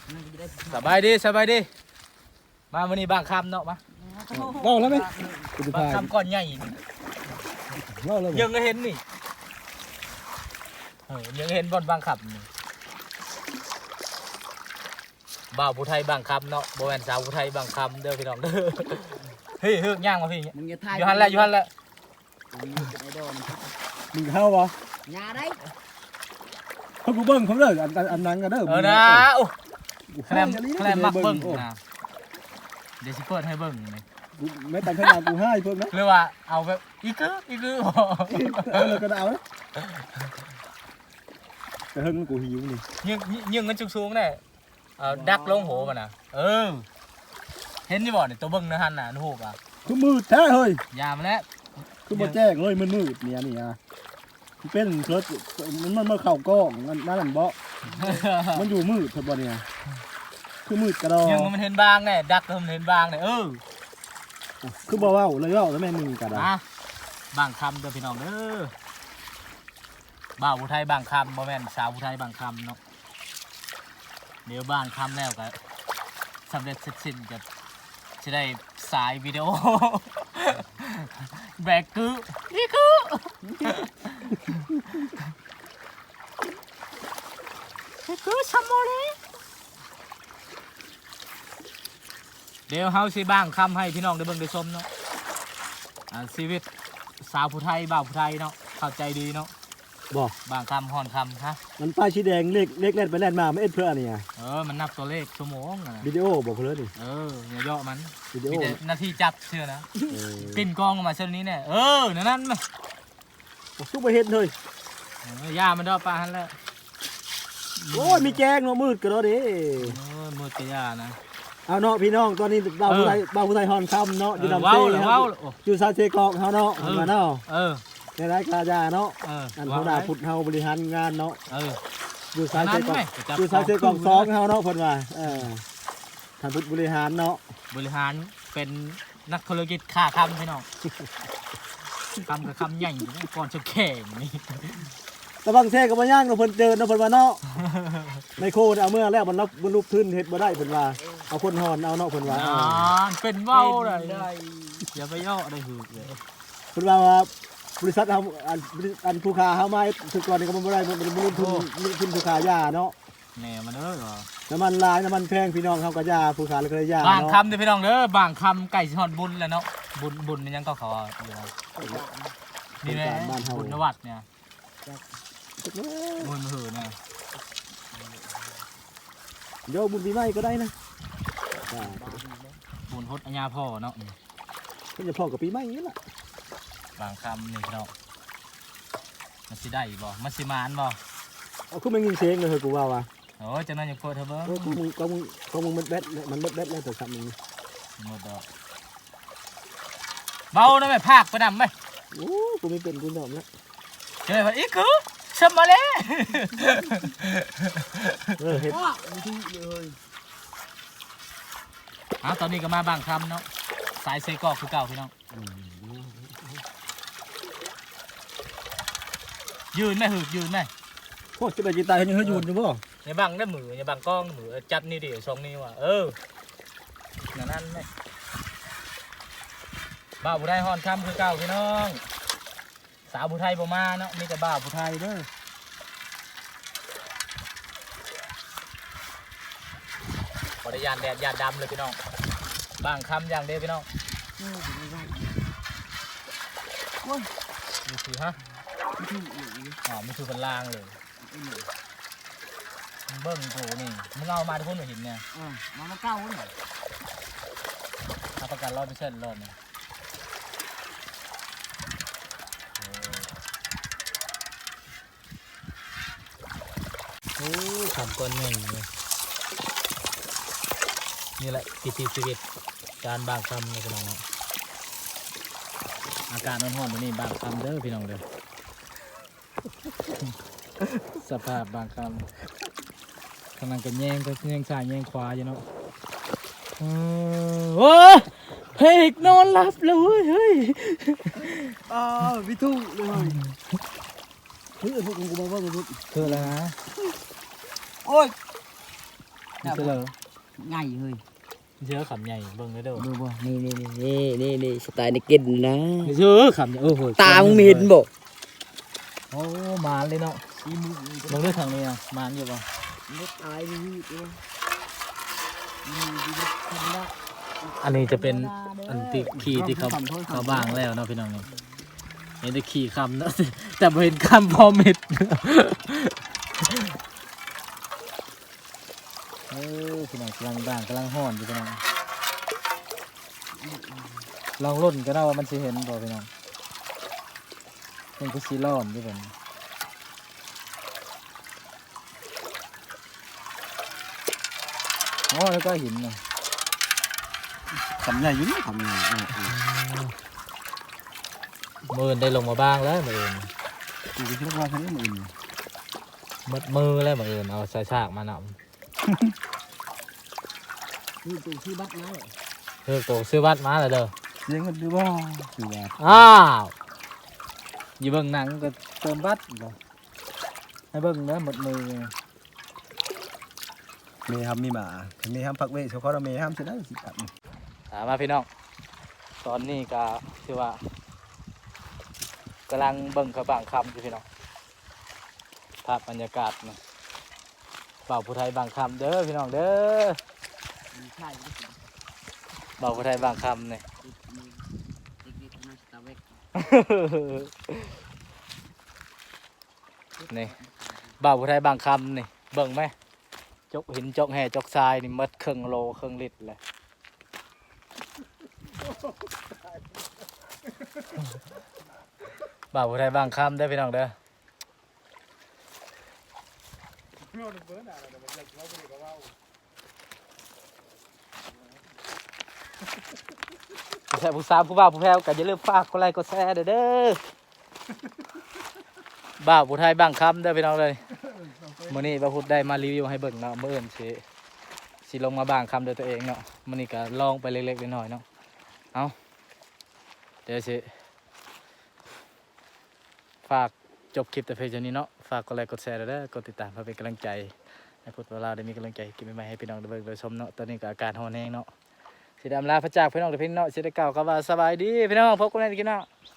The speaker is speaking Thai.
สบายดีมาวันนี้บางคำเนาะมาเล่าแล้วไหมบางคำก่อนใหญ่เล่าแล้วยังก็เห็นนี่ยังเห็นบอลบางคำนี่บ่าวผู้ไทยบางคำเนาะโบแวนสาวผู้ไทยบางคำเด้อพี่น้องเด้อเฮ้ยเฮือกย่างมาพี่อยู่หันแล้วมึงเข้าปะ nhà đấy เขากูเบิ้งเขาเลยอันนั้นกันเด้อนะโอ้แคลมมักเบิ้งนะเดี๋ยวสิเปิดให้เบิ้งนี่ไม่ตัดขนาดกูให้เพิ่มนะหรือว่าเอาแบบอีกคือเลยก็เอาแต่เฮิงกูหิวนี่ยิงกันจุกสูงเนี่ยดักลงโหมันนะเห็นที่บ่เนี่ยตัวเบิ้งนะฮันน่ะนูบอ่ะคือมืดแท้เฮ้ยยามาแล้วคือบ่แจ้งเลยมืดเนี่ยนี่อ่ะเป็นเคิร์ดมันเข่ากล้องนั่นเบาะมันอยู่มืดเท่าบ่เนี่ยคือมืดกระดอยิงมันเห็นบางเนี่ยดักมันเห็นบางเนี่ยคือบ่ว่าเลยว่าแล้วแม่มึงกระดาบางคำเด้อพี่น้องเด้อบ่าวผู้ไทยบางคำบ่แม่นสาวผู้ไทยบางคำเนาะเดี๋ยวบางคำแล้วก็สำเร็จเสร็จสิ้นก็จะได้สายวิดีโอแบกนี่คือซัมโมเลเดี๋ยวเฮาสิบ้างคำให้พี่น้องได้เบิ่งได้ชมเนาะชีวิตสาวผู้ไทยบ่าวผู้ไทยเนาะเข้าใจดีเนาะบอกบางคำฮอนคำฮะมันป้ายชี้แดงเล็กแล่นไปแล่นมาไม่เอ็ดเพื่ออะไรอ่ะมันนับตัวเลขชั่วโมงนะวิดีโอบอกเพื่อนนี่อย่าย่อมันวิดีโอมีแต่นาทีจับเชื่อนะปิ่นกองออกมาเช่นนี้เนี่ยนั่นมาซุปไปเห็ดเลยย่ามันดอกปลาหันแล้วโอ้ยมีแกงเนาะมืดกันแล้วดิมืดกระยานะเอาเนาะพี่น้องตอนนี้บ่าวผู้ไทยฮอนคำเนาะอยู่ลำเซ่อยู่ซาเซกองเขาเนาะมาเนาะในรายการยาเนาะอันเขาด่าพุทธเฮาบริหารงานเนาะอยู่ซาเซกองอยู่ซาเซกอง2เฮาเนาะเพิ่นว่าท่านพุทธบริหารเนาะบริหารเป็นนักธุรกิจค้าคำพี่น้องคำกับคำใหญ่ก่อนจะแข่งนี่ตะบังแท้กับมาย่างเนาะเพิ่นเดินเนาะเพิ่นว่าเนาะในโคดเอาเมื่อแล้วมันลุกขึ้นเฮ็ดบ่ได้เพิ่นว่าเอาคนฮอนเอาเนาะเพิ่นว่าเป็นเว้าเลยอย่าไปย่อได้หือเลยเพิ่นว่าบริษัทเฮาอันผู้ค้าเฮามาถึงก่อนนี่ก็บ่ได้มันลงทุนผู้ค้ายาเนาะแหน่มันเหรอน้ำมันลายน้ำมันแพงพี่น้องเขาก็ยาผู้ค้าเลยก็ยาบางคำเด้อพี่น้องเด้อบางคำไก่สิฮอดบุญแล้วเนาะบุญมันยังก็ขออยู่นี่แหละบุญนวัดเนี่ยบุญหือเนี่ยเดี๋ยวบุญปีใหม่ก็ได้นะบุญฮดอัญญาพ่อเนาะก็จะพอกับปีใหม่นี่แหละบางคำนี่เนาะมันสิได้บ่มันสิมานบ่เอาขึ้นมายิงเสียงเลยกูว่าว่ะโอ้จังนั้นอย่าโกรธเถอะเบิ่งก็มึงมันแบดแล้วแต่ซ้ำมึงหมดดอกเบาได้ไหมภาคไปนำไหมโอ้กูไม่เป็นกูยอมแล้วเจออีกคือสมมาเลยเห็ดตอนนี้ก็มาบางคำเนาะสายเซกอกคือเก่าพี่น้องยืนไหมหืดยืนไหมโอ้จะไปจีตายยังให้ยืนอยู่บ่อย่าบังได้มืออย่าบังกล้องมือจัดนี่ดิสองนี่ว่ะนั่นไหมบ่าวผู้ไทยฮอนคำคือเก่าพี่น้องสาวผู้ไทยบ่มาเนาะมีแต่บ่าวผู้ไทยเด้อขอได้ยานแดดยานดำเลยพี่น้องบางคำอย่างเดียวพี่น้องมีคือฮะไม่คือเป็นล่างเลยเบิ้งโถนี่มึงเอามาทุกคนเห็นเนี่ยมาเก้าเลยรับประกัน100%รอบเนี่ยโอ้ทำก้อนหนึ่งเลยนี่แหละชีวิตการบางคำเลยพี่น้องอากาศร้อนๆแบบนี้บางคำเด้อพี่น้องเด้อสภาพบางคำกำลังกันแย่งซ้ายแย่งขวาอยู่เนาะโอ้เพกนอนหลับแล้วเฮ้ยวิทูเลยพวกกูมาว่ากูคืออะไรนะโอ้ยเจอง่ายเลยเจอขำใหญ่เบิ่งเลยเด้อดูบ่นี่สไตล์ในกินนะเจอขำใหญ่โอ้โหตามึงมีเห็นบ่โอ้มาเลยเนาะซีมือเบิ่งด้วยทางนี้อ่ะมาอยู่บ่รถตายมีตัวอันนี้จะเป็นอันที่ขี่ที่เขาบ้างแล้วเนาะพี่น้องนี่เห็นแต่ขี่คำเนาะ แต่บ่เห็นคำพอเม็ด พี่น้องกำลังบ้างกำลังห้อนอยู่พี่น้องลองรุ่นก็ได้ว่ามันสิเห็นบ่พี่น้องมันก็สิร้อนอยู่ผมอ๋อแล้วก็หินเนาะทำใหญ่อยู่นี่ทำใหญ่มือได้ลงมาบ้างแล้วมือกูก็คิดว่าแค่นี้มันมัดมือแล้วมือเอาใส่ฉากมานำนี่ตัวที่บัดมาเลยเฮ้ยโตซื้อวัดมาเลยเด้อเสียงกันดูว่าคือว่าอ้าวอยู่เบิ่งหนังก็เติมวัดบ่ให้เบิ่งเด้อหมดมือเมย์ทำมีหมาเมย์ทำผักเวชเขาเราเมย์ทำจะได้สิครับถามมาพี่น้องตอนนี้ก็คือว่ากำลังเบิ่งเขาบางคำอยู่พี่น้องภาพบรรยากาศนะเบาผู้ไทยบางคำเด้อพี่น้องเด้อใช่เบาผู้ไทยบางคำเนี่ยติ๊กมาสตาร์เวกนี่บ่าวผู้ไทยบางคำนี่เบิ่งไหมจกหินจกแห่จกทรายนี่มัดครึ่งโลครึ่งลิตรเลยบ่าวผู้ไทยบางคำได้อพี่น้องเด้อผู้ชายผู้สาวผู้บ่าวผู้แพ้วก็อย่าลืมฝากกดไลค์กดแชร์เด้อบ่าวผู้ไทยบางคำได้อพี่น้องเลยมื้อนี้บ่าวพุธได้มารีวิวให้เบิ่งเนาะมื้ออื่นสิลงมาบางคำด้วยตัวเองเนาะมื้อนี้ก็ลองไปเล็กๆน้อยๆเนาะเอาเดี๋ยวสิฝากจบคลิปแต่เพียงเท่านี้เนาะฝากกดไลค์กดแชร์เด้อกดติดตามเพื่อเป็นกำลังใจให้พุทธวราได้มีกำลังใจกินใหม่ๆให้พี่น้องได้เบิ่งได้ชมเนาะตอนนี้ก็อาการร้อนแรงเนาะสิดำลาพระจากพี่น้องเด้อพี่น้องสิได้กล่าวคำว่าสบายดีพี่น้องพบกันในคลิปหน้า